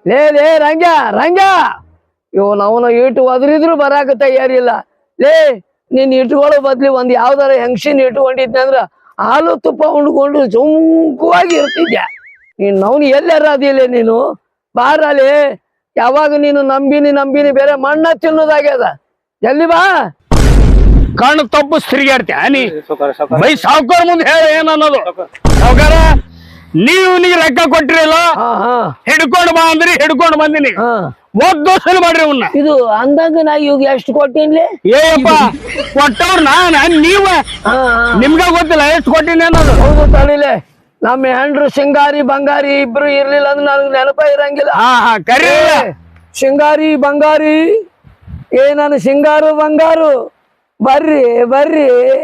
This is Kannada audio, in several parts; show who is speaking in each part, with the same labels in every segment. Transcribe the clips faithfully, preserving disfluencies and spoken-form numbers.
Speaker 1: ಲೇ ಲೇ ರಂಗ ರಂಗ ಇವ್ ನಾವು ಇಟ್ಟು ಒದರಿದ್ರು ಬರಾಕ ತಯಾರಿಲ್ಲ. ಲೇ ನೀನ್ ಇಟ್ಕೊಳ್ಳೋ ಬದ್ಲಿ ಒಂದ್ ಯಾವ್ದಾರ ಹೆಂಗಸಿನ ಇಟ್ಕೊಂಡಿದ್ದೆ ಅಂದ್ರ ಹಾಲು ತುಪ್ಪ ಉಂಡ್ಕೊಂಡು ಸುಂಕವಾಗಿ ಇರ್ತಿದ್ಯ. ನೀನ್ ನವ್ನು ಎಲ್ಲಾರ ಅದಿಲ್ಲ ನೀನು ಬಾರಲಿ. ಯಾವಾಗ ನೀನು ನಂಬಿನಿ ನಂಬಿನಿ ಬೇರೆ ಮಣ್ಣ ತಿನ್ನೋದಾಗ್ಯದ. ಎಲ್ಲಿ ಬಾ
Speaker 2: ಕಣ್ಣು ತಪ್ಪು ತಿರುಗಾಡ್ತೀಯ ನೀ ಬೈ ಸಾವುಕಾರ ಮುಂದೆ ಹೇಳ ಏನನ್ನೋದು. ಸಾವುಕಾರ ನೀವು ನೀ ಲೆಕ್ಕ ಕೊಟ್ಟಿರಲ್ಲ, ಹಿಡ್ಕೊಂಡು ಬಾ ಅಂದ್ರಿ ಹಿಡ್ಕೊಂಡು ಬಂದಿನಿ. ಒಂದ್ ದೋಷ ಮಾಡ್ರಿ ಅವನ್ನ.
Speaker 1: ಇದು ಅಂದಂಗ ನಾ ಇವಾಗ ಎಷ್ಟು ಕೊಟ್ಟಿನ್ಲಿ?
Speaker 2: ಏಯಪ್ಪ ಕೊಟ್ಟವ್ರ ನಾನ್ ನೀವ ನಿಮ್ಗ ಗೊತ್ತಿಲ್ಲ ಎಷ್ಟು ಕೊಟ್ಟಿನಿ ಅನ್ನೋದು.
Speaker 1: ಹೌದು ತಳಿಲೆ ನಮ್ಮ ಹೆಂಡ್ರು ಸಿಂಗಾರಿ ಬಂಗಾರಿ ಇಬ್ರು ಇರ್ಲಿಲ್ಲ ಅಂದ್ರೆ ನನಗ್ ನೆನಪ ಇರಂಗಿಲ್ಲ.
Speaker 2: ಹಾ ಹಾ ಕರಿ
Speaker 1: ಸಿಂಗಾರಿ ಬಂಗಾರಿ ಏ ನಾನು ಸಿಂಗಾರು ಬಂಗಾರು ಬರ್ರಿ ಬರ್ರಿ.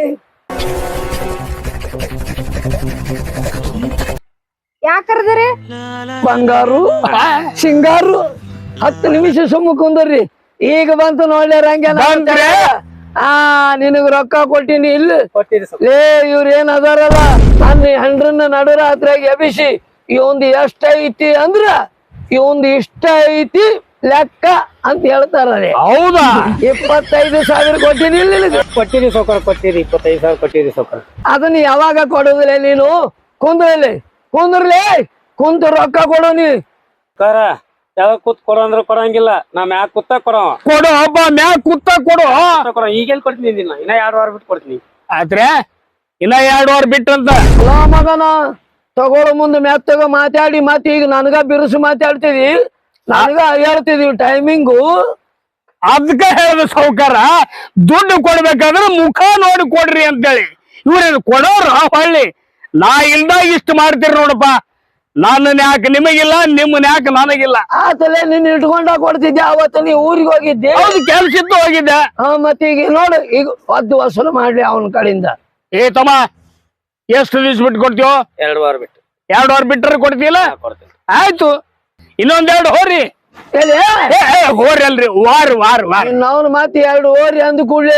Speaker 3: ಯಾಕರ್ದ್ರಿ
Speaker 1: ಬಂಗಾರು ಸಿಂಗಾರು ಹತ್ತು ನಿಮಿಷ ಸುಮ್ಮ ಕುಂದ್ರಿ. ಈಗ ಬಂತು ನೋಡ್ಲಿ ರಂಗ. ಆ ನಿನಗ ರೊಕ್ಕ ಕೊಟ್ಟಿನಿ ಇಲ್ಲ ಲೇ. ಇವ್ರ ಏನ್ ಅದಾರಲ್ಲ ನನ್ನ ಹೆಂಡ್ರನ್ನ ನಡು ರಾತ್ರಿಯಾಗ ಎಬಿಸಿ ಇವಂದು ಎಷ್ಟ ಐತಿ ಅಂದ್ರ ಇವಂದು ಇಷ್ಟ ಐತಿ ಲೆಕ್ಕ ಅಂತ ಹೇಳ್ತಾರ.
Speaker 2: ಹೌದಾ?
Speaker 1: ಇಪ್ಪತ್ತೈದು ಸಾವಿರ ಕೊಟ್ಟಿನಿ ಇಲ್ಲ
Speaker 4: ಕೊಟ್ಟಿರಿ ಸೌಕರ್ ಕೊಟ್ಟಿರಿ ಇಪ್ಪತ್ತೈದು ಸಾವಿರ ಕೊಟ್ಟಿರಿ ಸೌಕರ್.
Speaker 1: ಅದನ್ನ ಯಾವಾಗ ಕೊಡುದಿಲ್ಲ ನೀನು? ಕುಂದ್ರಲ್ಲಿ ಕುಂದ್ರಲಿ ಕುಂತು ರೊಕ್ಕ ಕೊಡು ನೀ.
Speaker 4: ಯಾವಾಗ ಕೂತ್ ಕೊಡೋ ಅಂದ್ರೆ ಕೊಡಂಗಿಲ್ಲ. ನಾ ಮ್ಯಾಗ ಕೂತ ಕೊಡೋ
Speaker 2: ಕೊಡು ಹಬ್ಬ ಮ್ಯಾಗ ಕೂತ ಕೊಡು
Speaker 4: ಕೊಡೋ. ಈಗೆಲ್ ಕೊಡ್ತೀನಿ ಇನ್ನ ಇನ್ನ ಎರಡು ವಾರ ಬಿಟ್ಟು ಕೊಡ್ತೀನಿ.
Speaker 2: ಆದ್ರೆ ಇನ್ನ ಎರಡು ವಾರ ಬಿಟ್ಟಂತ
Speaker 1: ಅಲ್ಲ ಮಗನ ತಗೊಳ್ಳೋ ಮುಂದೆ ಮೆತ್ತಗ ಮಾತಾಡಿ ಮತ್ತೆ ಈಗ ನನಗ ಬಿರುಸು ಮಾತಾಡ್ತಿದಿ, ನನಗ ಹೇಳ್ತಿದೀವಿ ಟೈಮಿಂಗು.
Speaker 2: ಅದಕ್ಕೆ ಹೇಳಿದ ಸೌಕಾರ ದುಡ್ಡು ಕೊಡ್ಬೇಕಾದ್ರೆ ಮುಖ ನೋಡಿ ಕೊಡ್ರಿ ಅಂತೇಳಿ. ಇವ್ರೇನು ಕೊಡೋರು ಹೊಳ್ಳಿ ನಾ ಇಲ್ದಾಗ ಇಷ್ಟು ಮಾಡ್ತೀರಿ ನೋಡಪ್ಪ. ನನ್ನ ಯಾಕೆ ನಿಮಗಿಲ್ಲ, ನಿಮ್ಮನ್ನ ಯಾಕೆ ನನಗಿಲ್ಲ.
Speaker 1: ಆತಲೆ ನಿನ್ ಇಟ್ಕೊಂಡ ಕೊಡ್ತಿದ್ದೆ ಅವತ್ತು ನೀ ಊರಿಗೆ ಹೋಗಿದ್ದೆ.
Speaker 2: ಹೌದು ಕೆಲ್ಸ ಇತ್ತು ಹೋಗಿದ್ದೆ.
Speaker 1: ಹಾ ಮತ್ತೆ ಈಗ ನೋಡು ಈಗ ಒದ್ದು ವಸೂಲು ಮಾಡ್ಲಿ ಅವನ ಕಡೆಯಿಂದ.
Speaker 2: ಏ ತಮ್ಮ ಎಷ್ಟು ದಿವ್ಸ ಬಿಟ್ಟು ಕೊಡ್ತೀವೋ?
Speaker 4: ಎರಡು ವಾರ ಬಿಟ್ಟು.
Speaker 2: ಎರಡು ವಾರ ಬಿಟ್ಟರೆ ಕೊಡ್ತೀಯಲ್ಲ?
Speaker 4: ಕೊಡ್ತೀನಿ.
Speaker 2: ಆಯ್ತು ಇನ್ನೊಂದೆರಡು ಹೋರಿ ಹೋರಿ ಅಲ್ರಿ ವಾರ ವಾರ ವಾರ
Speaker 1: ಅವ್ನು ಮತ್ತೆ ಎರಡು ಓರಿ ಅಂದ ಕೂಡ್ಲಿ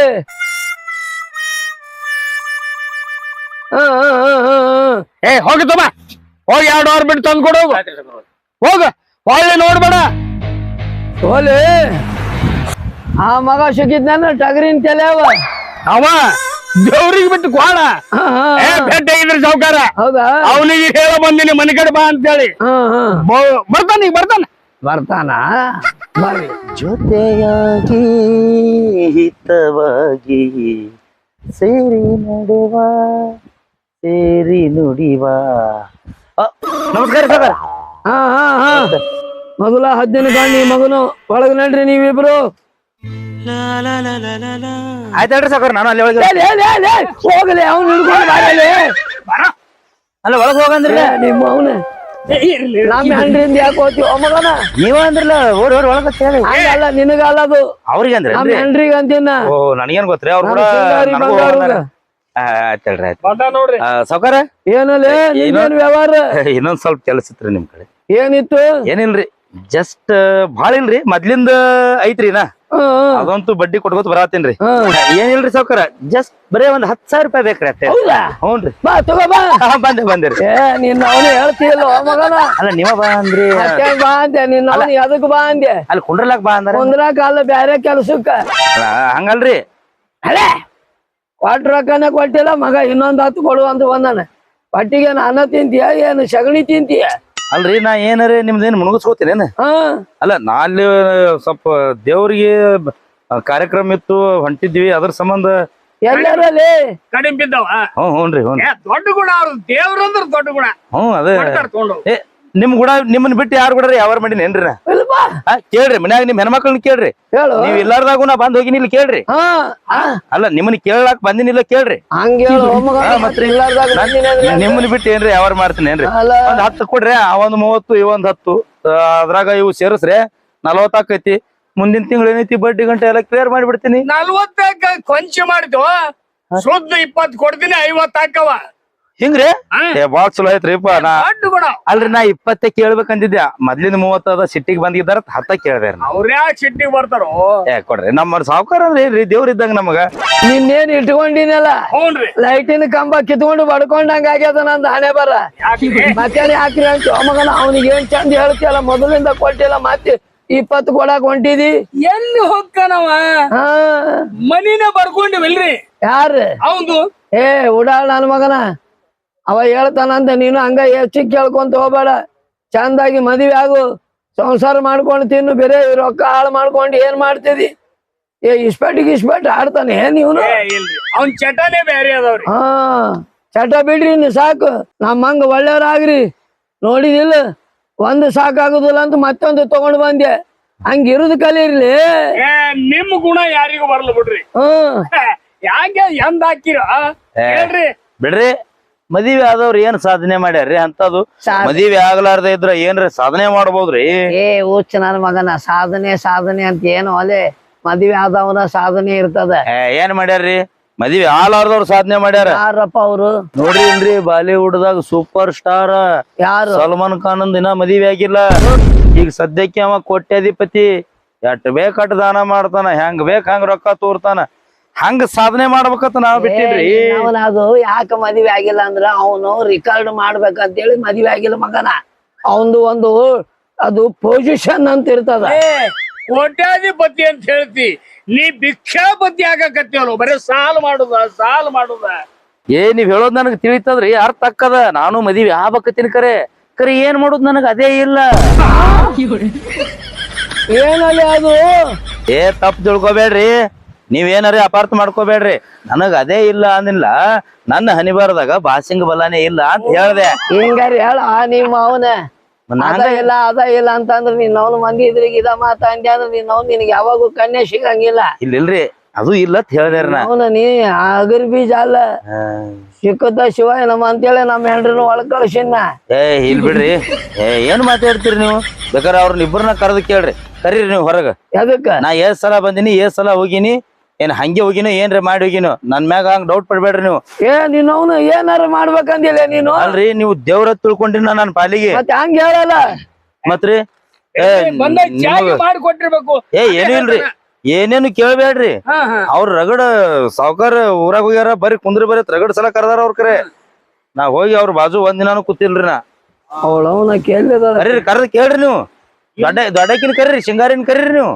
Speaker 2: ಏ ಹೋಗುತ್ತಮ್ಮ ಹೋಗಿ ಎರಡು ವಾರ ಬಿಟ್ಟು ತಂದು ಕೊಡು. ಹೋಗ ಹೊಳ್ಳಿ ನೋಡ್ಬೇಡ.
Speaker 1: ಹೋಲಿ ಆ ಮಗ ಸಿಕ್ಕಿದ್ನ ಟಗರಿನ ತಲೆ ಅವ
Speaker 2: ಅವ ದೇವ್ರಿಗೆ ಬಿಟ್ಟು ಕೋಣ ಭೇಟಿ ಆಗಿದ್ರಿ ಸಾವುಕಾರ.
Speaker 1: ಹೌದಾ?
Speaker 2: ಅವನಿಗೆ ಹೇಳ ಬಂದಿನಿ ಮನೆ ಕಡೆ ಬಾ ಅಂತೇಳಿ. ಬರ್ತಾನ ಈಗ ಬರ್ತಾನ
Speaker 1: ಬರ್ತಾನ ಬರ್ರಿ.
Speaker 5: ಜೊತೆಯಾಗಿ ಹಿತವಾಗಿ ಸೇರಿ ನಡೆವ ಸೇರಿ ನುಡಿವ. ನಮಸ್ಕಾರ ಸರ್.
Speaker 1: ಹಾ ಹಾ ಹಾ ಮೊದಲ ಹದ್ದಿನ ಗಾಣಿ ಮಗನು ಒಳಗ ನಡ್ರಿ ನೀವಿಬ್ರು.
Speaker 5: ಆಯ್ತಲ್ರಿ ಸಾಕಾರ ನಾನು ಅಲ್ಲಿ ಒಳಗೆ
Speaker 1: ಹೋಗಲಿ ಅವ್ನು ಹಿಡ್ಕೊಂಡು ಬಾರಲಿ.
Speaker 5: ಅಲ್ಲ ಒಳಗೆ ಹೋಗಂದ್ರಲ್ಲ
Speaker 1: ನಿಮ್ಮ ಅವನ ನಮ್ಮ ಹೆಂಡ್ರಿಂದ ಯಾಕೆ ಹೋಗ್ತೀವ ಮಗನ?
Speaker 5: ನೀವ ಅಂದ್ರಲ್ಲ ಓಡಿ ಓಡಿ ಒಳಗ
Speaker 1: ಹಂಗಲ್ಲ ನಿನಗಲ್ಲ ಅದು
Speaker 5: ಅವ್ರಿಗೆ ಅಂದ್ರೆ
Speaker 1: ನಮ್ಮ ಹೆಂಡ್ರಿಗೆ ಅಂತೀನ.
Speaker 5: ಓ ನನಗೇನ್ ಗೊತ್ತ್ರಿ ಅವ್ರು ಕೂಡ ಆಯ್ತಲ್ರಿ ಆಯ್ತು
Speaker 2: ನೋಡ್ರಿ
Speaker 5: ಸಾವುಕಾರ.
Speaker 1: ಏನಲ್ಲ ನಿನ್ನೇನ್ ವ್ಯವಹಾರ?
Speaker 5: ಇನ್ನೊಂದ್ ಸ್ವಲ್ಪ ಕೆಲಸ ಇತ್ರಿ ನಿಮ್ ಕಡೆ.
Speaker 1: ಏನಿತ್ತು?
Speaker 5: ಏನಿಲ್ರಿ ಜಸ್ಟ್ ಭಾಳ ಇಲ್ರಿ ಮೊದ್ಲಿಂದ ಐತ್ರಿ ನಾ ಅದಂತೂ ಬಡ್ಡಿ ಕೊಟ್ಕೋತ ಬರತ್ತೇನ್ರಿ. ಏನಿಲ್ರಿ ಸಾವುಕಾರ ಜಸ್ಟ್ ಬರೇ ಒಂದ್ ಹತ್ ಸಾವಿರ ರೂಪಾಯಿ ಬೇಕ್ರಿ ಅಷ್ಟೇ. ಹ್ಞೂನ್ರಿ
Speaker 1: ಬಾ ತಗೋ ಬಾ.
Speaker 5: ಬಂದೆ ಬಂದಿರಿ.
Speaker 1: ಏ ನಿನ್ನ ಅವನು ಹೇಳ್ತಿಲ್ಲ ಮಗನ.
Speaker 5: ಅಲ್ಲ ನೀವ ಬಾ ಅಂದ್ರಿ.
Speaker 1: ಬಾ ಅಂದೆ ನಿನ್ನ ಅವನು ಎದಕ್ ಬಾ ಅಂದೆ?
Speaker 5: ಅಲ್ಲಿ ಕುಂಡ್ರಲಾಕ್ ಬಾ ಅಂದ್ರ
Speaker 1: ಕುಂದ್ರಾಕ ಅಲ್ಲ ಬ್ಯಾರೆ ಕೆಲ್ಸಕ್ಕ.
Speaker 5: ಹಂಗಲ್ರಿ
Speaker 1: ಅಲ್ಲೇ ಕೊಟ್ಟ ರೊಕ್ಕನ ಕೊಟ್ಟಿಲ್ಲ ಮಗ ಇನ್ನೊಂದ್ ಹತ್ತು ಕೊಡು ಅಂತ ಬಂದಾನ. ಪಟ್ಟಿಗೆ ಅನ್ನ ತಿಂತೀಯ ಏನು ಸಗಣಿ ತಿಂತೀಯ?
Speaker 5: ಅಲ್ರಿ ನಾ ಏನಾರ ನಿಮ್ದೇನ್ ಮುಣಗಿಸ್ಕೋತೀನೇನ? ಅಲ್ಲ ನಾ ಅಲ್ಲಿ ಸ್ವಲ್ಪ ದೇವ್ರಿಗೆ ಕಾರ್ಯಕ್ರಮ ಇತ್ತು ಹೊಂಟಿದ್ವಿ ಅದ್ರ ಸಂಬಂಧ.
Speaker 1: ಎಲ್ಲರಲ್ಲಿ
Speaker 2: ಕಡಿಮೆ ಬಿದ್ದವ.
Speaker 5: ಹ್ಞೂ ಹ್ಞೂನ್ರಿ ಹ್ಞೂ
Speaker 2: ದೊಡ್ಡ ಗುಣ ಅವ್ರು ದೇವ್ರಂದ್ರ ದೊಡ್ಡ ಗುಣ.
Speaker 5: ಹ್ಞೂ ಅದೇ ಏ ನಿಮ್ ಕೂಡ ನಿಮ್ಮನ್ ಬಿಟ್ಟು ಯಾರು ಕೂಡ ಯಾವಾರ ಮಾಡಿನೇನ್ರಿ? ಕೇಳ್ರಿ ಮನ್ಯಾಗ ನಿಮ್ ಹೆಣ್ಮಕ್ಳನ್ನ ಕೇಳ್ರಿ. ನೀವ್ ಇಲ್ಲಾರ್ದಾಗು ನಾ ಬಂದ್ ಹೋಗಿನಿ ಇಲ್ಲಿ ಕೇಳ್ರಿ. ಅಲ್ಲ ನಿಮ್ಮನ್ನ ಕೇಳಾಕ್ ಬಂದಿನಿಲ್ಲ ಕೇಳ್ರಿ. ನಿಮ್ಮನ್ನ ಬಿಟ್ಟು ಏನ್ರಿ ಯಾವಾರ ಮಾಡ್ತೀನಿ ಏನ್ರಿ? ಒಂದ್ ಹತ್ತು ಕೊಡ್ರಿ ಅವೊಂದ್ ಮೂವತ್ತು ಇವೊಂದ್ ಹತ್ತು ಅದ್ರಾಗ ಇವು ಸೇರಿಸ್ರಿ ನಲ್ವತ್ ಆಕೈತಿ. ಮುಂದಿನ ತಿಂಗಳು ಏನೈತಿ ಬಡ್ಡಿ ಗಂಟೆ ಎಲ್ಲ ಕ್ಲಿಯರ್ ಮಾಡಿಬಿಡ್ತೀನಿ.
Speaker 2: ನಲ್ವತ್ತ ಕೊಂಚ ಮಾಡಿದ್ವು ಶುದ್ಧ ಇಪ್ಪತ್ ಕೊಡ್ತೀನಿ ಐವತ್ ಹಾಕವ.
Speaker 5: ಹಿಂಗ್ರಿ
Speaker 2: ಹಾ.
Speaker 5: ಏ ಬಾಳ್ ಚಲೋ ಐತ್ರಿಪ್ಪ ನಾ
Speaker 2: ದೊಡ್ಡ ಗುಣ
Speaker 5: ಅಲ್ರಿ ನಾ ಇಪ್ಪತ್ತೇ ಕೇಳ್ಬೇಕಂದಿದ್ದೆ ಮೊದ್ಲಿನ ಮೂವತ್ತದ ಸಿಟ್ಟಿಗೆ ಬಂದಿದ್ದಾರ ಹತ್ತ ಕೇಳ್ದೆ
Speaker 2: ಅವ್ರ್ಯಾ ಸಿಟ್ಟಿಗೆ ಬರ್ತಾರೋ
Speaker 5: ಏ ಕೊಡ್ರಿ ನಮ್ಮ ಸಾವುಕಾರ ಅಂದ್ರೆ ಏನ್ರಿ ದೇವ್ರ ಇದ್ದಂಗ ನಮಗ
Speaker 1: ನಿನ್ನೇನ್ ಇಟ್ಕೊಂಡಿನಲ್ಲ
Speaker 2: ಹ್ಞೂನ್ರಿ
Speaker 1: ಲೈಟಿನ ಕಂಬ ಕಿತ್ಕೊಂಡು ಬಡ್ಕೊಂಡಂಗ ಆಗ್ಯದ ನಂದು ಹಣೆ ಬರ
Speaker 2: ಯಾಕ್ರಿ
Speaker 1: ಮತ್ತೇನ್ ಹಾಕ್ರಿ ಅಂತ ಮಗನ ಅವನಿಗೆ ಏನ್ ಚಂದ ಹೇಳ್ತಿಯಲ್ಲ ಮೊದಲಿಂದ ಕೊಟ್ಟಿಲ್ಲ ಮತ್ತೆ ಇಪ್ಪತ್ತು ಕೊಡಾಕ್ ಹೊಂಟಿದಿ
Speaker 2: ಎಲ್ಲಿ ಹೋಗ್ತಾನವ
Speaker 1: ಹಾ
Speaker 2: ಮನಿನ ಬರ್ಕೊಂಡಿವಲ್ರಿ
Speaker 1: ಯಾರು
Speaker 2: ಅವಂದು
Speaker 1: ಏ ಉಡಾಳ ನನ್ ಮಗನ ಅವ ಹೇಳ್ತಾನಂತ ನೀನು ಹಂಗ ಹೆಚ್ಚಿಗೆ ಕೇಳ್ಕೊಂತ ಹೋಗ್ಬೇಡ ಚಂದಾಗಿ ಮದ್ವೆ ಆಗು ಸಂಸಾರ ಮಾಡ್ಕೊಂಡು ತಿನ್ನು ಬೇರೆ ರೊಕ್ಕ ಹಾಳು ಮಾಡ್ಕೊಂಡು ಏನ್ ಮಾಡ್ತಿದಿ ಏ ಇಸ್ಪೆಟ್ಟಿಗೆ ಇಸ್ಪೆಟ್ ಆಡ್ತಾನೆ ನೀವ್ನು
Speaker 2: ಏ ಇಲ್ರಿ ಅವ್ನ್ ಚಟನೇ ಬೇರೆ ಅದಾವ್ರಿ
Speaker 1: ಹಾ ಚಟ ಬಿಡ್ರಿ ನೀವು ಸಾಕು ನಮ್ಮಂಗ ಒಳ್ಳೆಯವ್ರಾಗ್ರಿ ನೋಡಿದಿಲ್ಲ ಒಂದು ಸಾಕಾಗುದಿಲ್ಲ ಅಂತ ಮತ್ತೊಂದು ತಗೊಂಡ್ ಬಂದೆ ಹಂಗಿರುದು ಕಲೀರ್ಲಿ
Speaker 2: ಏ ನಿಮ್ ಗುಣ ಯಾರಿಗೂ ಬರ್ಲ ಬಿಡ್ರಿ
Speaker 1: ಹ್ಮ್
Speaker 2: ಯಾಕೆ ಎಂದ್ ಹಾಕಿರ ಹೇಳ್ರಿ
Speaker 5: ಬಿಡ್ರಿ ಮದಿವೆ ಆದವ್ರು ಏನ್ ಸಾಧನೆ ಮಾಡ್ಯಾರ್ರಿ ಅಂತದು
Speaker 1: ಸಾ-
Speaker 5: ಮದಿವೆ ಆಗ್ಲಾರ್ದ ಇದ್ರ ಏನ್ರಿ ಸಾಧನೆ ಮಾಡ್ಬೋದ್ರಿ
Speaker 1: ಏ ಹುಚ್ಚ ನನ್ ಮಗನ ಸಾಧನೆ ಸಾಧನೆ ಅಂತ ಏನು ಅಲೆ ಮದ್ವೆ ಆದವನ ಸಾಧನೆ ಇರ್ತದ
Speaker 5: ಏ, ಏನ್ ಮಾಡ್ಯಾರ್ರಿ ಮದಿವೆ ಆಲಾರ್ದವ್ರು ಸಾಧನೆ ಮಾಡ್ಯಾರ
Speaker 1: ಯಾರಪ್ಪ ಅವ್ರು
Speaker 5: ನೋಡ್ರಿ ಇಲ್ರಿ ಬಾಲಿವುಡ್ ದಾಗ ಸೂಪರ್ ಸ್ಟಾರ್
Speaker 1: ಯಾರು
Speaker 5: ಸಲ್ಮಾನ್ ಖಾನ್ ದಿನ ಮದಿವೆ ಆಗಿಲ್ಲ ಈಗ ಸದ್ಯಕ್ಕೆ ಅವ ಕೋಟ್ಯಾಧಿಪತಿ ಎಷ್ಟ್ ಬೇಕಟ್ ದಾನ ಮಾಡ್ತಾನ ಹೆಂಗ್ ಬೇಕ್ ಹಂಗ ರೊಕ್ಕ ತೋರ್ತಾನ ಹಂಗ ಸಾಧನೆ ಮಾಡ್ಬೇಕಂತ ನಾವ್ ಬಿಟ್ಟಿದ್ರಿ
Speaker 1: ಅವನ ಅದು ಯಾಕ ಮದ್ವೆ ಆಗಿಲ್ಲ ಅಂದ್ರ ಅವನು ರಿಕಾರ್ಡ್ ಮಾಡ್ಬೇಕಂತೇಳಿ ಮದ್ವೆ ಆಗಿಲ್ಲ ಮಗನ ಅವಂದು ಒಂದು ಅದು ಪೊಸಿಷನ್ ಅಂತ ಇರ್ತದ
Speaker 2: ಏ ಕೋಟ್ಯಾಧಿಪತಿ ಅಂತ ಹೇಳ್ತಿ ನೀ ಭಿಕ್ಷಾಪತಿ ಆಗಕತ್ತೀವಲ್ಲ ಬರೀ ಸಾಲ್ ಮಾಡುದ ಸಾಲ್ ಮಾಡುದ
Speaker 5: ಏ ನೀವ್ ಹೇಳೋದ್ ನನಗ್ ತಿಳಿತದ್ರಿ ಅರ್ಥ ಅಕ್ಕದ ನಾನು ಮದಿವೆ ಆಗ್ಬೇಕತ್ತೀನಿ ಕರೆ ಕರೆ ಏನ್ ಮಾಡೋದ್ ನನಗ್ ಅದೇ ಇಲ್ಲ
Speaker 1: ಏನಲ್ಲಿ ಅದು
Speaker 5: ಏ ತಪ್ಪು ತಿಳ್ಕೊಬೇಡ್ರಿ ನೀವೇನಾರಿ ಅಪಾರ್ಥ ಮಾಡ್ಕೋಬೇಡ್ರಿ ನನಗ್ ಅದೇ ಇಲ್ಲ ಅಂದಿಲ್ಲ ನನ್ನ ಹನಿಬಾರದಾಗ ಬಾಸಿಂಗ್ ಬಲಾನೇ ಇಲ್ಲ ಅಂತ ಹೇಳ್ದೆ
Speaker 1: ಹಿಂಗಾರಿ ಹೇಳ ನಿಮ್ಮ ಅವನ ಅದ ಇಲ್ಲ ಅದ ಇಲ್ಲ ಅಂತಂದ್ರ ನೀನ್ ಅವನು ಮಂದಿ ಇದ್ರಿಗೆ ಇದ ಮಾತ ಅಂದ್ಯ ಅಂದ್ರ ನೀನ್ ಅವ್ನು ನಿನಗೆ ಯಾವಾಗೂ ಕನ್ಯೆ ಸಿಗಂಗಿಲ್ಲ
Speaker 5: ಇಲ್ಲ ಇಲ್ರಿ ಅದು ಇಲ್ಲ ಅಂತ ಹೇಳ್ದೇರಿ ನಾ
Speaker 1: ಅವನ ನೀ ಅಗರ್ ಬೀಜ ಅಲ್ಲ ಸಿಕ್ಕದ ಶಿವ ನಮ್ಮ ಅಂತೇಳಿ ನಮ್ಮ ಹೆಂಡ್ರನ್ನ ಒಳಗ್ ಕಳ್ಸಿನ
Speaker 5: ಏ ಇಲ್ ಬಿಡ್ರಿ ಏ ಏನ್ ಮಾತಾಡ್ತೀರಿ ನೀವು ಬೇಕಾದ್ರೆ ಅವ್ರನ್ನ ಇಬ್ಬರನ್ನ ಕರೆದು ಕೇಳ್ರಿ ಕರೀರಿ ನೀವು ಹೊರಗ
Speaker 1: ಎದಕ್ಕ
Speaker 5: ನಾ ಏಸ್ ಸಲ ಬಂದಿನಿ ಏಸ್ ಸಲ ಹೋಗಿನಿ ಏನ್ ಹಂಗೆ ಹೋಗಿನೋ ಏನ್ರಿ ಮಾಡಿ ಹೋಗಿನೋ ನನ್ ಮ್ಯಾಗ ಹಂಗ ಡೌಟ್ ಪಡ್ಬೇಡ್ರಿ ನೀವು
Speaker 1: ಏ ನೀನ್ ಅವನು ಏನಾರ ಮಾಡ್ಬೇಕಂದಿಲ್ಲ ನೀನು
Speaker 5: ಅಲ್ರಿ ನೀವು ದೇವ್ರ ತಿಳ್ಕೊಂಡಿನ ನನ್ನ ಪಾಲಿಗೆ
Speaker 1: ಮತ್ತೆ ಹಂಗ ಹೇಳಲ್ಲ
Speaker 5: ಮತ್ರಿ ಏ
Speaker 2: ಬಂದ ಚಾಗಿ
Speaker 5: ನಿಮಗ-
Speaker 2: ಮಾಡಿ ಕೊಟ್ಟಿರ್ಬೇಕು
Speaker 5: ಏ ಏನೂ ಇಲ್ರಿ ಏನೇನು ಕೇಳ್ಬೇಡ್ರಿ
Speaker 2: ಹಾ ಹಾ
Speaker 5: ಅವ್ರ ರಗಡ ಸಾವ್ಕಾರ ಊರಾಗ ಹೋಗ್ಯಾರ ಬರೀ ಕುಂದ್ರಿ ಬರೀ ರಗಡ ಸಲ ಕರ್ದಾರ ಅವ್ರ ಕರೆ ನಾ ಹೋಗಿ ಅವ್ರ ಬಾಜು ಒಂದ್ ದಿನಾನು ಕೂತಿಲ್ರಿ ನಾ
Speaker 1: ಅವಳ ಅವನ ಕೇಳಿದ
Speaker 5: ಕರೀರಿ ಕರ್ದ ಕೇಳ್ರಿ ನೀವು ದೊಡ್ಡ ದೊಡ್ಡಕಿನ ಕರೀರಿ ಶಿಂಗಾರಿನ ಕರೀರಿ ನೀವು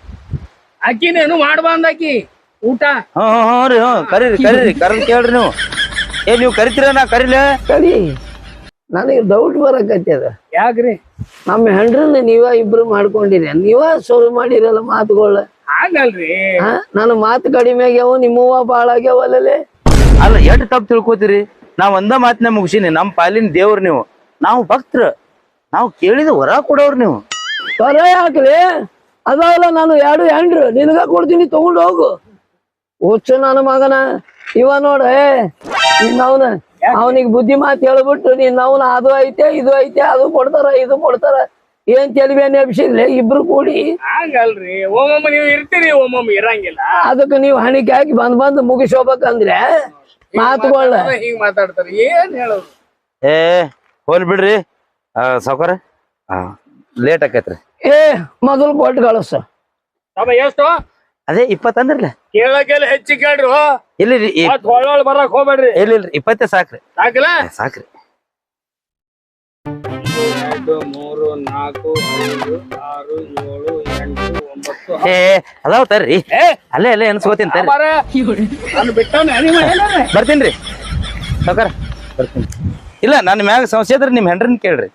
Speaker 2: ಅಕ್ಕಿನೇನು ಮಾಡ್ಬಂದಾಕಿ ಊಟ
Speaker 5: ಹ್ಮ್ ಹ್ಮ್ ಹ್ಮ್ ರೀ ಹ್ಮ್ ಕರೀರಿ ಕರೀರಿ ಕರ್ದ ಕೇಳ್ರಿ ನೀವು ಏ ನೀವು ಕರಿತೀರ ನಾ ಕರೀಲ
Speaker 1: ಸರಿ ನನಗೆ ಡೌಟ್ ಬರಕತ್ತದ
Speaker 2: ಯಾಕ್ರಿ
Speaker 1: ನಮ್ಮ ಹೆಂಡ್ರನ್ನ ನೀವ ಇಬ್ರು ಮಾಡ್ಕೊಂಡಿರಿ ನೀವ ಶುರು ಮಾಡಿರಲ್ಲ ಮಾತುಗಳ
Speaker 2: ಹಾಗಲ್ರಿ
Speaker 1: ನನ್ನ ಮಾತು ಕಡಿಮೆ ಆಗ್ಯಾವ ನಿಮ್ಮವ್ವ ಬಾಳ ಆಗ್ಯಾವಲ್ಲೇ
Speaker 5: ಅಲ್ಲ ಎಷ್ಟ್ ತಪ್ಪು ತಿಳ್ಕೊತೀರಿ ನಾವ್ ಒಂದ ಮಾತಿನ ಮುಗಿಸಿನಿ ನಮ್ ಪಾಲಿನ ದೇವ್ರ ನೀವು ನಾವು ಭಕ್ತರ ನಾವು ಕೇಳಿದ ವರ ಕೊಡೋರ್ ನೀವು
Speaker 1: ತೊರ ಯಾಕ್ಲಿ ಅದಾವಲ್ಲ ನಾನು ಎರಡು ಹೆಂಡ್ರು ನಿನಗ ಕೊಡ್ತೀನಿ ತಗೊಂಡು ಹೋಗು ಹುಚ್ಚು ನನ್ನ ಮಗನ ಇವ ನೋಡ ನಿನ್ನವನ ಅವನಿಗೆ ಬುದ್ಧಿ ಮಾತು ಹೇಳ್ಬಿಟ್ಟು ನಿನ್ನವನ ಅದು ಐತೆ ಇದು ಐತೆ ಅದು ಕೊಡ್ತಾರ ಇದು ಕೊಡ್ತಾರ ಏನ್ ತೆಲಿವೆ ನೆಪ್ಸಿದ್ಲೆ ಇಬ್ರು ಕೂಡಿ
Speaker 2: ಹಂಗಲ್ರಿ ಒಮ್ಮೊಮ್ಮೆ ನೀವು ಇರ್ತೀರಿ ಒಮ್ಮೊಮ್ಮೆ ಇರಂಗಿಲ್ಲ
Speaker 1: ಅದಕ್ಕೆ ನೀವು ಹಣಿಕೆ ಹಾಕಿ ಬಂದ್ ಬಂದ್ ಮುಗಿಸ್ ಹೋಗ್ಬೇಕಂದ್ರೆ ಮಾತುಗಳ
Speaker 2: ಹಿಂಗ್ ಮಾತಾಡ್ತಾರೆ ಏನ್ ಹೇಳೋದು
Speaker 5: ಏ ಹೋಲ್ ಬಿಡ್ರಿ ಸಾವ್ಕಾರ ಲೇಟ್ ಆಕೈತ್ರಿ
Speaker 1: ಏ ಮೊದಲು ಕೊಟ್ಟು ಕಳಸ
Speaker 2: ತಮ್ಮ ಎಷ್ಟು
Speaker 5: ಅದೇ ಇಪ್ಪತ್ ಅಂದ್ರಲ್ಲ
Speaker 2: ಕೇಳಕ್ಕೆಲ್ಲ ಹೆಚ್ಚು ಕೇಳ್ರಿ
Speaker 5: ಇಲ್ಲಿ
Speaker 2: ಮತ್ ಹೊಳ್ಳೊಳ್ ಬರಕ್ ಹೋಗ್ಬೇಡ್ರಿ
Speaker 5: ಇಲ್ಲ ಇಲ್ರಿ ಇಪ್ಪತ್ತೇ ಸಾಕ್ರಿ
Speaker 2: ಸಾಕಿಲ್ಲ
Speaker 5: ಸಾಕ್ರಿ
Speaker 2: ಎರಡು ಮೂರು ನಾಲ್ಕು ಐದು ಆರು ಏಳು ಎಂಟು ಒಂಬತ್ತು
Speaker 5: ಏ ಅದಾವ ತರ್ರಿ
Speaker 2: ಏ
Speaker 5: ಅಲ್ಲೇ ಅಲ್ಲೇ ಎನ್ಸ್ಕೋತೀನಿ ತರ್ರಿ
Speaker 2: ಮಾರ, ನಾನು ಬಿಟ್ಟವ್ನೆ ನಿಮ್ಮ ಏನಾರ
Speaker 5: ಬರ್ತೀನ್ರಿ ಸಾವ್ಕಾರ ಬರ್ತೀನಿ ಇಲ್ಲ ನನ್ನ ಮ್ಯಾಗ ಸಮಸ್ಯೆ ಇದ್ರೆ ನಿಮ್ ಹೆಂಡ್ರನ್ ಕೇಳ್ರಿ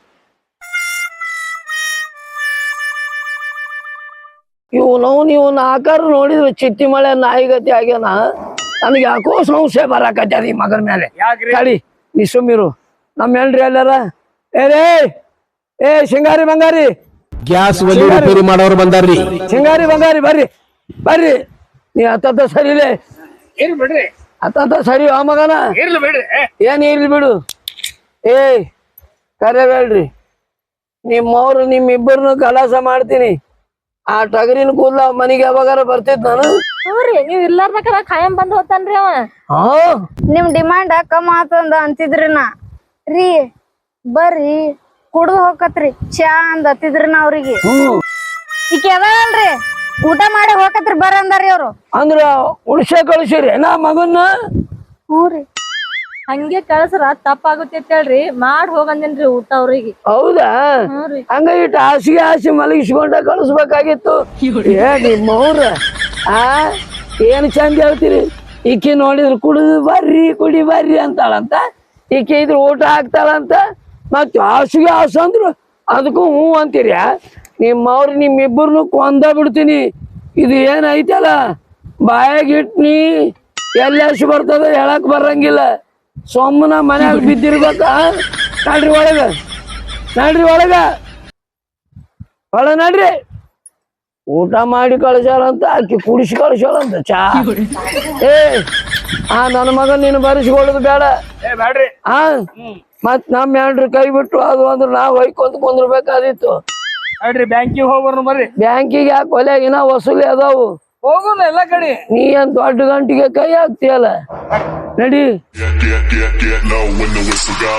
Speaker 1: ಇವನವ್ನು ಇವನ ಆಕಾರ ನೋಡಿದ್ರೆ ಚಿಟ್ಟಿ ಮಳೆ ನಾಯಿಗತಿ ಆಗ್ಯಾನ ನನಗೆ ಯಾಕೋ ಸಂಶಯ ಬರಾಕತ್ಯಾದ ಈ ಮಗನ ಮೇಲೆ
Speaker 2: ಯಾಕ್ರಿ
Speaker 1: ಕಡಿ ನೀ ಸುಮ್ಮಿರು ನಮ್ಮ ಹೆಂಡ್ರಿ ಎಲ್ಲಾರ ಏ ರೇ ಏ ಶಿಂಗಾರಿ ಬಂಗಾರಿ
Speaker 6: ಗ್ಯಾಸ್ ಒಲಿ ರಿಪೇರಿ ಮಾಡೋರು ಬಂದಾರ್ರಿ
Speaker 1: ಶಿಂಗಾರಿ ಬಂಗಾರಿ ಬರ್ರಿ ಬರ್ರಿ ನೀ ಹತ್ತತ್ತ ಸರಿಲೇ
Speaker 2: ಇರ್ಲಿ ಬಿಡ್ರಿ
Speaker 1: ಹತ್ತತ್ತ ಸರಿ ಆ ಮಗನ
Speaker 2: ಇರ್ಲಿ ಬಿಡ್ರಿ
Speaker 1: ಏನ್ ಇರ್ಲಿ ಬಿಡು ಏ ಕರೆಬೇಡ್ರಿ ನಿಮ್ಮವ್ರು ನಿಮ್ಮಿಬ್ಬರನ್ನು ಕಲಾಸ ಮಾಡ್ತೀನಿ ಆ ಟಗರಿನ ಕೂದ್ಲ ಮನೆಗೆ ಯಾವಾಗಾರ ಬರ್ತಿದ್ ನಾನು
Speaker 3: ಹ್ಞೂರಿ ನೀವ್ ಇರ್ಲಾರ್ದಕ್ಕ ಖಾಯಂ ಬಂದ್ ಹೋತಾನ್ರಿ ಅವ.
Speaker 1: ಹಾ
Speaker 3: ನಿಮ್ ಡಿಮಾಂಡ್ ಕಮ್ಮ ಆತಂದ ಅಂತಿದ್ರಿ ನಾ ರೀ ಬರ್ರಿ ಕುಡ್ದು ಹೋಗತ್ರಿ ಚಾ ಅಂದ್ ಹತ್ತಿದ್ರಿ ನಾ ಅವ್ರಿಗೆ.
Speaker 1: ಹ್ಮ್
Speaker 3: ಈಕಿ ಅದಾಳಲ್ರಿ ಊಟ ಮಾಡಿ ಹೋಗತ್ರಿ ಬರ್ರಿ ಅಂದಾರಿ ಅವ್ರು.
Speaker 1: ಅಂದ್ರ ಉಳ್ಸೆ ಕಳಿಸಿರಿ ನಾ ಮಗನ್ನ.
Speaker 3: ಹ್ಞೂರಿ ಹಂಗೆ ಕಳ್ಸ್ರ ತಪ್ಪಾಗುತ್ತೆ ಹೇಳ್ರಿ ಮಾಡ್ ಹೋಗಂದೇನ್ರಿ ಊಟ ಅವ್ರಿಗೆ.
Speaker 1: ಹೌದಾ
Speaker 3: ಹ್ಞೂರಿ
Speaker 1: ಹಂಗ ಇಟ್ಟು ಹಾಸಿಗೆ ಹಾಸಿ ಮಲಗಿಸ್ಕೊಂಡ ಕಳಿಸ್ಬೇಕಾಗಿತ್ತು. ಏ ನಿಮ್ಮವ್ರ ಆ ಏನ್ ಚಂದ ಹೇಳ್ತೀರಿ. ಈಕಿ ನೋಡಿದ್ರು ಕುಡಿದು ಬರ್ರಿ ಕುಡಿ ಬರ್ರಿ ಅಂತಾಳಂತ, ಈಕಿ ಇದ್ರ ಊಟ ಹಾಕ್ತಾಳಂತ, ಮತ್ ಹಾಸಿಗೆ ಹಾಸು ಅಂದ್ರು ಅದಕ್ಕೂ ಹ್ಞೂ ಅಂತೀರಿ. ನಿಮ್ಮವ್ರು ನಿಮ್ಮಿಬ್ಬರನ್ನು ಕೊಂದ ಬಿಡ್ತೀನಿ. ಇದು ಏನೈತಲ್ಲ ಬಾಯಾಗಿಟ್ನಿ ಎಲ್ಲಿ ಹಸಿ ಬರ್ತದ ಹೇಳಕ್ ಬರಂಗಿಲ್ಲ. ಸೊಮ್ಮನ ಮನ್ಯಾಗ ಬಿದ್ದಿರ್ಬೇಕ. ನಡ್ರಿ ಒಳಗ ನಡ್ರಿ ಒಳಗ ಒಳ ನಡ್ರಿ. ಊಟ ಮಾಡಿ ಕಳ್ಸ್ಯಾರಂತ ಆಕಿ ಕುಡಿಸಿ ಕಳ್ಸ್ಯಾಳಂತ ಚಾ. ಏ ಆ ನನ್ನ ಮಗನ್ ನೀನು ಬರೆಸ್ಕೊಳ್ಳೋದು ಬೇಡ.
Speaker 2: ಏ ಬ್ಯಾಡ್ರಿ.
Speaker 1: ಆ ಮತ್ ನಮ್ಮ ಹೆಂಡ್ರು ಕೈ ಬಿಟ್ಟು ಅದು ಅಂದ್ರೆ ನಾವ್ ಹೊಯ್ಕೊಂತ ಕುಂದ್ರಬೇಕಾದಿತ್ತು.
Speaker 2: ನೋಡ್ರಿ ಬ್ಯಾಂಕಿಗೆ ಹೋಗ್ಬರ್ನು ಬರ್ರಿ.
Speaker 1: ಬ್ಯಾಂಕಿಗೆ ಯಾಕೆ ಒಲೆ ಇನ್ನ ವಸೂಲಿ ಅದಾವು.
Speaker 2: ಹೋಗೋಣ ಎಲ್ಲಾ ಕಡೆ.
Speaker 1: ನೀ ಏನ್ ದೊಡ್ಡ ಗಂಟಿಗೆ ಕೈ ಹಾಕ್ತಿಯಲ್ಲ ನಡಿ.
Speaker 7: Get, get, get, get low when the whistle go.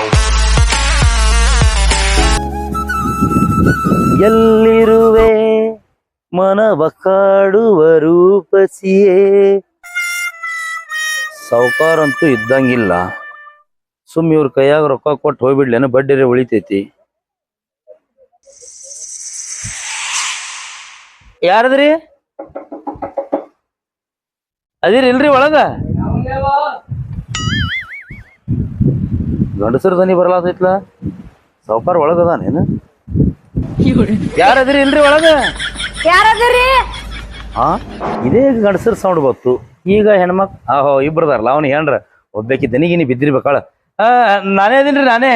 Speaker 5: ಎಲ್ಲಿರುವೆ ಮನವ ಕಾಡುವ ರೂಪಸಿಯೇ. ಸಾವುಕಾರ ಅಂತೂ ಇದ್ದಂಗಿಲ್ಲ. ಸುಮ್ ಇವ್ರ ಕೈಯಾಗ ರೊಕ್ಕ ಕೊಟ್ಟು ಹೋಗ್ಬಿಡ್ಲೇನ ಬಡ್ಡಿರೆ ಉಳಿತೈತಿ. ಯಾರದ್ರಿ ಅದಿರಿ ಇಲ್ರಿ ಒಳಗ? ಗಂಡಸರ ದನಿ ಬರಲಾತೈತ್ಲ. ಸಾವುಕಾರ ಒಳಗದಾನೇನು? ಯಾರದ್ರಿ ಇಲ್ರಿ ಒಳಗ?
Speaker 3: ಯಾರದ್ರಿ?
Speaker 5: ಹಾ ಇದೇ ಗಂಡಸರ ಸೌಂಡ್ ಬತ್ತು. ಈಗ ಹೆಣ್ಮಕ್ ಆಹೋ ಇಬ್ರದಾರಲ್ಲ ಅವ್ನು ಹೆಣ್ರ ಒಬ್ಬಾಕಿ ದನಿಗಿನಿ ಬಿದ್ದಿರ್ಬೇಕಾಳ. ಆ ನಾನೇ ಅದೀನ್ರಿ ನಾನೇ.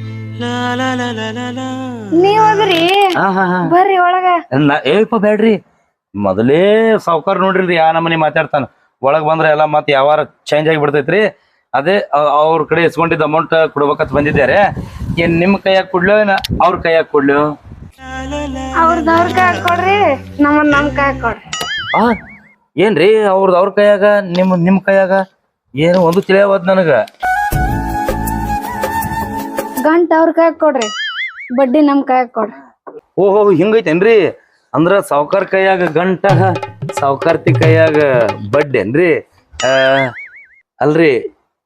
Speaker 3: ನೀವ್ ಹೋಗ್ರಿ
Speaker 5: ಹಾ ಹಾ ಹಾ
Speaker 3: ಬರ್ರಿ ಒಳಗ.
Speaker 5: ಏಪ್ಪ ಬ್ಯಾಡ್ರಿ, ಮೊದಲೇ ಸಾವುಕಾರ ನೋಡ್ರಿ ಯಾ ನಮ್ಮನಿ ಮಾತಾಡ್ತಾನ. ಒಳಗ್ ಬಂದ್ರ ಎಲ್ಲಾ ಮತ್ ಯಾವಾರ ಚೇಂಜ್ ಆಗಿ ಬಿಡ್ತೈತ್ರಿ. ಅದೇ ಅವ್ರ ಕಡೆ ಇಸ್ಕೊಂಡಿದ್ದ ಅಮೌಂಟ್ ಕೊಡ್ಬೇಕಂತ ಬಂದಿದ್ದಾರೆ. ಏನ್ ನಿಮ್ ಕೈಯಾಗ ಕೊಡ್ಲು ಏನ ಅವ್ರ ಕೈಯಾಗ ಕೊಡ್ಲು?
Speaker 3: ಅವ್ರದ್ ಅವ್ರ ಕೈ ಕೊಡ್ರಿ, ನಮ್ಮನ್ ನಮ್ ಕೈ ಕೊಡ್ರಿ.
Speaker 5: ಆ ಏನ್ರಿ ಅವ್ರದ್ ಅವ್ರ ಕೈಯಾಗ ನಿಮ್ ನಿಮ್ ಕೈಯಾಗ ಏನು ಒಂದು ತಿಳಿಯವದ್ ನನಗ.
Speaker 3: ಗಂಟ ಅವ್ರ ಕೈ ಕೊಡ್ರಿ, ಬಡ್ಡಿ ನಮ್ ಕೈ ಕೊಡ್ರಿ.
Speaker 5: ಓಹೋ ಹಿಂಗೈತೇನ್ರಿ? ಅಂದ್ರ ಸಾವುಕಾರ ಕೈಯಾಗ ಗಂಟ ಸಾವುಕಾರ್ತಿ ಕೈಯಾಗ ಬಡ್ಡೇನ್ರಿ? ಆ ಅಲ್ರಿ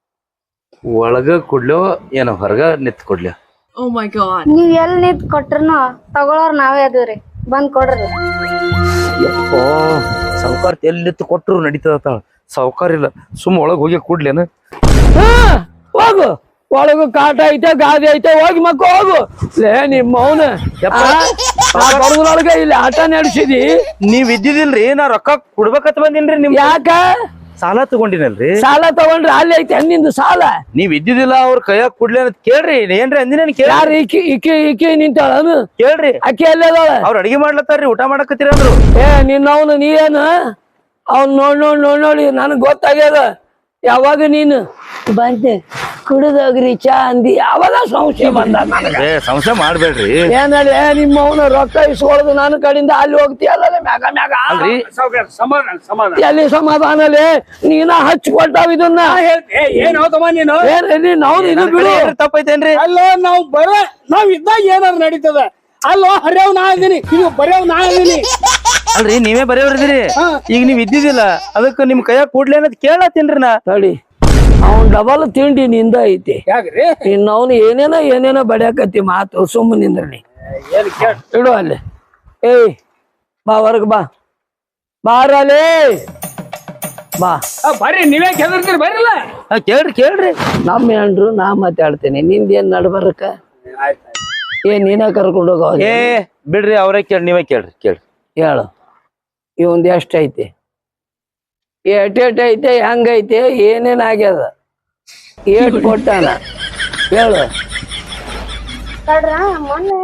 Speaker 5: ಒಳಗ ಕೊಡ್ಲೋ ಏನೋ ಹೊರಗ ನಿತ್ ಕೊಡ್ಲಿ?
Speaker 3: ನೀವ್ ಎಲ್ ನಿಂತ್ ಕೊಟ್ರನು ತಗೊಳೋರ್ ನಾವೇ ಅದೀವ್ರಿ, ಬಂದ್ ಕೊಡ್ರಿ.
Speaker 5: ಯಪ್ಪೋ ಸಾವುಕಾರ್ತಿ ಎಲ್ಲಿ ನಿತ್ ಕೊಟ್ರು ನಡೀತದ. ಸಾವುಕಾರ ಇಲ್ಲ ಸುಮ್ಮ ಒಳಗ್ ಹೋಗಿ ಕೊಡ್ಲೇನ?
Speaker 1: ಹಾ ಹೋಗು ಒಳಗು ಕಾಟ ಐತೆ ಗಾದಿ ಐತೆ ಹೋಗಿ ಮಕ್ಕ ಹೋಗು. ಲೇ ನಿಮ್ಮ ಮೌನ ಬಡದ್ರೊಳಗ ಇಲ್ಲಿ ಆಟ ನಡೆಸಿದಿ.
Speaker 5: ನೀವ್ ಇದ್ದಿದಿಲ್ರಿ, ನಾ ರೊಕ್ಕ ಕೊಡ್ಬೇಕಂತ ಬಂದಿನ್ರಿ. ನಿಮ್
Speaker 1: ಯಾಕ
Speaker 5: ಸಾಲ ತಗೊಂಡಿನಲ್ರಿ?
Speaker 1: ಸಾಲ ತಗೊಂಡ್ರಿ ಅಲ್ಲಿ ಐತೆ ನಿಂದು ಸಾಲ.
Speaker 5: ನೀವ್ ಇದ್ದಿದಿಲ್ಲ ಅವ್ರ ಕೈಯಾಗ ಕೊಡ್ಲಿ ಅಂತ ಕೇಳ್ರಿ. ಏನ್ರಿ ಅಂದಿನ ಕೇಳ.
Speaker 1: ಯಾರು ಈಕಿ ಈಕಿ ಈಕಿ ನಿಂತಾಳನು?
Speaker 5: ಕೇಳ್ರಿ.
Speaker 1: ಅಕ್ಕಿ ಅಲ್ಲೇ ಅದಾಳ.
Speaker 5: ಅವ್ರ ಅಡಿಗೆ ಮಾಡ್ಲತ್ತಾರ್ರಿ, ಊಟ ಮಾಡಕತ್ತೀರ ಅಂದ್ರು.
Speaker 1: ಏ ನಿನ್ನವನು ನೀ ಏನು ಅವ್ನ್ ನೋಡ್ ನೋಡ್ ನೋಡ್ ನೋಡಿ ನನಗ್ ಗೊತ್ತಾಗ್ಯದ. ಯಾವಾಗ ನೀನು ಬಂದೆ ಕುಡಿದೋಗ್ರಿ ಚಾ ಅಂದಿ ಅವಾಗ ಸಂಶಯ ಬಂದ ನನಗ.
Speaker 5: ಏ ಸಂಶಯ ಮಾಡ್ಬೇಡ್ರಿ.
Speaker 1: ಏನಲ್ಲಿ ನಿಮ್ಮ ಅವನ ರೊಕ್ಕ ಇಸ್ಕೊಳ್ಳೋದು ನನ್ನ ಕಡೆಯಿಂದ ಅಲ್ಲಿ ಹೋಗ್ತೀಯಲ್ಲ ಮ್ಯಾಗ ಮ್ಯಾಗ.
Speaker 5: ಅಲ್ರಿ
Speaker 2: ಸಾವ್ಕಾರ ಸಮಾಧಾನ ಸಮಾಧಾನ.
Speaker 1: ಎಲ್ಲಿ ಸಮಾಧಾನಲೇ ನೀನ ಹಚ್ಚಿ ಕೊಟ್ಟಾವ ಇದನ್ನ.
Speaker 2: ಏ ಏನ್ ಹೌದಮ್ಮ ನೀನು?
Speaker 1: ಏನ್ ನೀನ್ ಹೌದು ಇದು ಬಿಡು.
Speaker 5: ತಪ್ಪೈತೇನ್ರಿ?
Speaker 2: ಅಲ್ಲ ನಾವ್ ಬರ ನಾವ್ ಇದ್ದಾಗ ಏನಾದ್ರು ನಡೀತದ. ಅಲ್ಲೋ ಹರ್ಯಾವ್ ನಾ ಇದೀನಿ, ಇದು ಬರ್ಯಾವ್ ನಾ ಇದೀನಿ.
Speaker 5: ಅಲ್ರಿ ನೀವೇ ಬರೆಯವ್ರಿದಿರಿ. ಈಗ ನೀವ್ ಇದ್ದಿದ್ದಿಲ್ಲ ಅದಕ್ಕ ನಿಮ್ ಕೈಯಾಗ ಕೊಡ್ಲಿ ಅನ್ನೋದ್ ಕೇಳತ್ತೀನ್ರಿ ನಾ.
Speaker 1: ತಡಿ ಅವನ್ ಡಬಲ್ ತಿಂಡಿ ನಿಂದ ಐತಿ.
Speaker 2: ಯಾಕ್ರಿ?
Speaker 1: ಇನ್ನವನು ಏನೇನೋ ಏನೇನೋ ಬಡಿಯಾಕತ್ತಿ ಮಾತು ಸುಮ್ಮನೆ ನಿಂದ್ರಿ.
Speaker 2: ಏನ್ ಕೇಳ
Speaker 1: ಇಡು ಅಲ್ಲಿ. ಏಯ್ ಬಾ ಹೊರಗ್ ಬಾ ಬಾರಲೇ ಬಾ.
Speaker 2: ಬರ್ರಿ ನೀವೇ ಕೆದರ್ತೀರಿ ಬರ್ರಲ್ಲ.
Speaker 5: ಕೇಳ್ರಿ ಕೇಳ್ರಿ.
Speaker 1: ನಮ್ಮ ಹೆಂಡ್ರು ನಾ ಮಾತಾಡ್ತೇನೆ, ನಿಂದೇನ್ ನಡ್ಬರ್ಕ? ಏನ್ ನೀನ ಕರ್ಕೊಂಡು ಹೋಗ.
Speaker 5: ಏ ಬಿಡ್ರಿ ಅವ್ರೇ ಕೇಳಿ, ನೀವೇ ಕೇಳ್ರಿ ಕೇಳ್ರಿ.
Speaker 1: ಹೇಳು ಇವಂದ್ ಎಷ್ಟ ಐತಿ, ಎಟ್ ಎಟ್ ಐತೆ, ಹೆಂಗೈತೆ, ಏನೇನ್ ಆಗ್ಯದ, ಏಟ್ ಕೊಟ್ಟಾನ ಹೇಳು.
Speaker 3: ತಡ್ರ ಮೊನ್ನೆ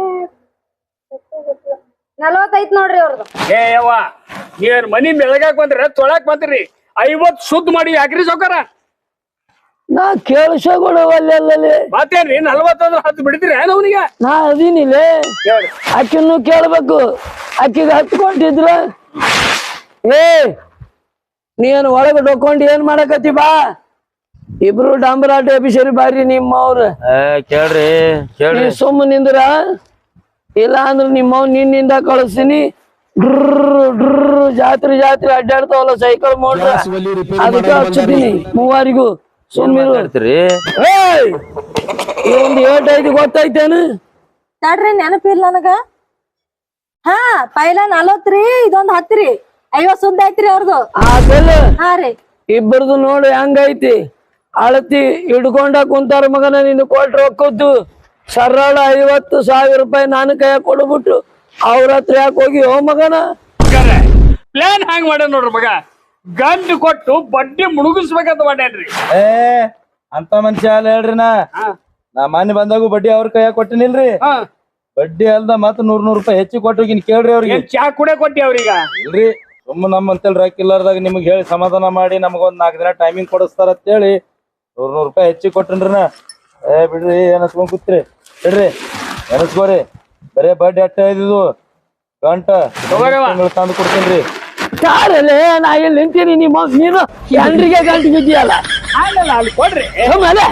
Speaker 3: ನಲ್ವತ್ತೈತ್ ನೋಡ್ರಿ ಅವ್ರದ್ದು.
Speaker 2: ಏ ಯವ್ವ ನೀವ್ ಮನಿ ಬೆಳಗಾಕ್ ಬಂದ್ರಿ ತೊಳಾಕ್ ಬಂದ್ರಿ. ಐವತ್ ಸುದ್ದ ಮಾಡಿ ಯಾಕ್ರಿ ಸೌಕಾರ?
Speaker 1: ನಾ ಕೇಳಿಸಗೊಳ್ಳವಲ್ಲೇ
Speaker 2: ಮಾತೇನ್ರಿ ನಲ್ವತ್ತಂದ್ರ ಹತ್ತು ಬಿಡ್ತೀರಿ ಏನ್ ಅವನಿಗೆ?
Speaker 1: ನಾ ಅದೀನಿಲೇ. ಅಕ್ಕಿನ್ನು ಕೇಳ್ಬೇಕು. ಅಕ್ಕಿಗೆ ಹತ್ತು ಕೊಟ್ಟಿದ್ರ ಏ ನೀನ್ ಒಳಗ ಡೊಕ್ಕೊಂಡ್ ಏನ್ ಮಾಡಕತ್ತಿ ಬಾ ಇಬ್ರು ಡಂಬರಾಟ ಅಭಿಷೇರಿ ಬಾರಿ ನಿಮ್ಮವ್ರ
Speaker 5: ಏ ಕೇಳ್ರಿ ಕೇಳ್ರಿ
Speaker 1: ನೀ ಸುಮ್ಮ ನಿಂದ್ರ ಇಲ್ಲ ಅಂದ್ರ ನಿಮ್ಮವ್ ನಿನ್ನಿಂದ ಕಳಿಸ್ತೀನಿ ಡ್ರ್ ಡ್ರ್ ಜಾತ್ರೆ ಜಾತ್ರೆ ಅಡ್ಡಾಡ್ತಾವಲ್ಲ ಸೈಕಲ್ ಮೋಟ್ರ
Speaker 6: ಗ್ಯಾಸ್ ಒಲಿ ರಿಪೇರಿ
Speaker 1: ಅದಕ್ಕೆ
Speaker 6: ಮಾಡೋರು
Speaker 1: ಹಚ್ಚಿದ್ದೀನಿ ಮೂವರಿಗೂ ಸುಮ್ಮಿರು
Speaker 5: ಮಾತಾಡ್ತೀರಿ
Speaker 1: ಏಯ್ ಈ ಒಂದು ಏಟ್ ಐದು ಗೊತ್ತೈತೇನು
Speaker 8: ತಡ್ರಿ ನೆನಪಿಲ್ಲ ನನಗ ಹಾ ಪೈಲ ನಲವತ್ತ್ರಿ ಇದೊಂದ್ ಹತ್ತ್ರಿ ಐವತ್ ಸುದ್ದ ಐತ್ರಿ ಅವ್ರದು
Speaker 1: ಅದೆಲ್ಲ
Speaker 8: ಹಾ ರೀ
Speaker 1: ಇಬ್ಬರದು ನೋಡು ಹೆಂಗೈತಿ ಅಳತಿ ಹಿಡ್ಕೊಂಡ ಕುಂತಾರ ಮಗನ ನಿನ್ನ ಕೊಟ್ರ ರೊಕ್ಕದ್ದು ಸರಳ ಐವತ್ತು ಸಾವಿರ ರೂಪಾಯಿ ನಾನು ಕೈಯಾಗ ಕೊಡ್ಬಿಟ್ಟು ಅವ್ರ ಹತ್ರ ಯಾಕೆ ಹೋಗಿ ಓ ಮಗನ
Speaker 2: ಪ್ಲಾನ್ ಹ್ಯಾಂಗ್ ಮಾಡ್ಯಾನ ನೋಡ್ರಿ ಮಗ ಗಂಡು ಕೊಟ್ಟು ಬಡ್ಡಿ ಮುಳುಗಿಸ್ಬೇಕಂತ ಮಾಡ್ಯಾನ್ರಿ
Speaker 5: ಏ ಅಂತ ಮನುಷ್ಯ ಅಲ್ಲ ಹೇಳ್ರಿ ನಾ ನಾ ಮಾನ್ಯ ಬಂದಾಗೂ ಬಡ್ಡಿ ಅವ್ರ ಕೈಯಾಗ ಕೊಟ್ಟಿನಿಲ್ರಿ
Speaker 2: ಹಾ
Speaker 5: ಬಡ್ಡಿ ಅಲ್ದ ಮತ್ ನೂರ್ ನೂರ್ ರೂಪಾಯಿ ಹೆಚ್ಚಿಗೆ ಕೊಟ್ಟೋಗಿನ್ ಕೇಳ್ರಿ ಅವ್ರಿಗೆ
Speaker 2: ಏನ್ ಚಾ ಕುಡೆ ಕೊಟ್ಟಿ ಅವ್ರೀಗ
Speaker 5: ಇಲ್ರಿ ಸುಮ್ಮ ನಮ್ಮ ಅಂತೇಳಿ ರೊಕ್ಕ ಇಲ್ಲಾರ್ದಾಗ ನಿಮ್ಗೆ ಹೇಳಿ ಸಮಾಧಾನ ಮಾಡಿ ನಮಗೊಂದ್ ನಾಲ್ಕು ದಿನ ಟೈಮಿಂಗ್ ಕೊಡಿಸ್ತಾರ ಅಂತೇಳಿ ನೂರ್ ನೂರ್ ರೂಪಾಯಿ ಹೆಚ್ಚಿಗೆ ಕೊಟ್ಟನ್ರಿ ನಾ ಏ ಬಿಡ್ರಿ ಏನಸ್ಕೊಂಡ್ ಕೂತ್ರಿ ಬಿಡ್ರಿ ಎನಸ್ಕೋರಿ ಬರೇ ಬಡ್ಡಿ ಅಟ್ಟ ಇದ್ದು ಗಂಟ ತಿಂಗಳು ತಂದು ಕೊಡ್ತೀನಿ
Speaker 1: ಕಾರಲ್ಲೇ ನಾ ಇಲ್ಲಿ ನಿಂತೀನಿ ನಿಮ್ಮ ನೀನು ಎಂಡ್ರಿಗೆ ಗಂಟು ಬಿದ್ದೀಯಲ್ಲ
Speaker 2: ಆಗಲ್ಲ ಅಲ್ಲಿ ಕೊಡ್ರಿ
Speaker 1: ಆಮೇಲೆ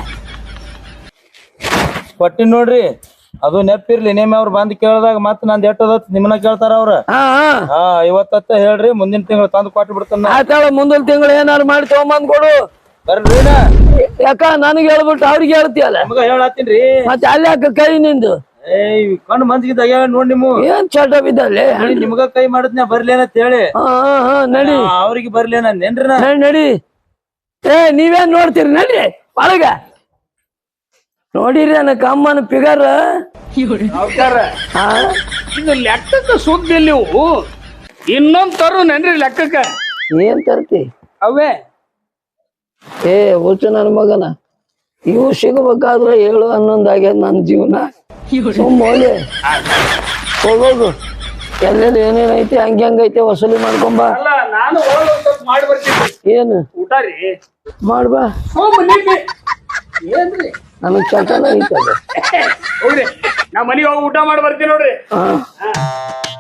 Speaker 5: ಕೊಟ್ಟಿನ್ ನೋಡ್ರಿ ಅದು ನೆಪ್ಪಿರ್ಲಿ ನೇಮೆ ಅವ್ರು ಬಂದ್ ಕೇಳಿದಾಗ ಮತ್ ನಂದ್ ಎಟ್ಟದ ನಿಮ್ಮನ್ನ ಕೇಳ್ತಾರ ಅವ್ರ
Speaker 1: ಹಾ
Speaker 5: ಹಾ ಇವತ್ತ ಹೇಳ್ರಿ ಮುಂದಿನ ತಿಂಗಳು ತಂದು ಕೊಟ್ಟು ಬಿಡ್ತಾನ
Speaker 1: ಆತಾಳ ಮುಂದಿನ ತಿಂಗಳು ಏನಾರು ಮಾಡಿ ತಗೊಂಬಂದ್ ಕೊಡು
Speaker 5: ಬರ್ರಿ
Speaker 1: ಯಾಕ ನನಗೆ ಹೇಳ್ಬಿಟ್ಟು ಅವ್ರಿಗೆ ಹೇಳ್ತೀಯಲ್ಲ
Speaker 5: ನಮಗ ಹೇಳತ್ತೀನ್ರಿ
Speaker 1: ಮತ್ತೆ ಅಲ್ಲಿ ಯಾಕ ಕೈ ನಿಂದು
Speaker 5: ಏಯ್ ಕಣ್ಣು ಮಂಜಿಗಿದ್ದಾಗ ನೋಡ್ ನಿಮ್ಮ
Speaker 1: ಏನ್ ಚಟ ಬಿದ್ದಲ್ಲಿ
Speaker 5: ನಿಮ್ಗ ಕೈ ಮಾಡಿದ್ನ ಬರ್ಲೇನಂತ ಹೇಳಿ
Speaker 1: ಹಾ ಹಾ ನಡಿ
Speaker 5: ಅವ್ರಿಗೆ ಬರ್ಲೇನೇನ್ರಿ ನಾ
Speaker 1: ನಡಿ ನಡಿ ಏ ನೀವೇನ್ ನೋಡ್ತೀರಿ ನಡಿ ಒಳಗ ನೋಡಿರಿ ನನ್ನ ಕಮ್ಮನ ಫಿಗರ್
Speaker 2: ಇದು ಲೆಕ್ಕಕ್ಕೆ ಸುದ್ದಿ ನೀವು ಇನ್ನೊಂದ್ ತರು ನೆನ್ರಿ ಲೆಕ್ಕಕ್ಕ
Speaker 1: ಏನ್ ತರ್ತಿ
Speaker 2: ಅವೇ
Speaker 1: ಏ ಹುಚ್ಚು ನನ್ನ ಮಗನ ಇವು ಸಿಗಬೇಕಾದ್ರೆ ಏಳು ಹನ್ನೊಂದು ಆಗ್ಯದ ನನ್ನ ಜೀವನ ಸುಮ್ಮನೆ ಹೋಗೋದು ಎಲ್ಲೆಲ್ಲಿ ಏನೇನೈತಿ ಹಂಗೆ ಹಂಗೈತೆ ವಸೂಲಿ ಮಾಡ್ಕೊಂಬ
Speaker 2: ಅಲ್ಲ ನಾನು ಮಾಡಿ ಬರ್ತೀನಿ
Speaker 1: ಏನು
Speaker 2: ಊಟ ರೀ
Speaker 1: ಮಾಡ್ಬಾ
Speaker 2: ಏನ್ರಿ
Speaker 1: ನನಗ್ ಚಟನ ಐತದ
Speaker 2: ಹೋಗ್ರಿ ನಾ ಮನೆಗೆ ಹೋಗಿ ಊಟ ಮಾಡಿ ಬರ್ತೀನಿ ನೋಡ್ರಿ
Speaker 1: ಹಾ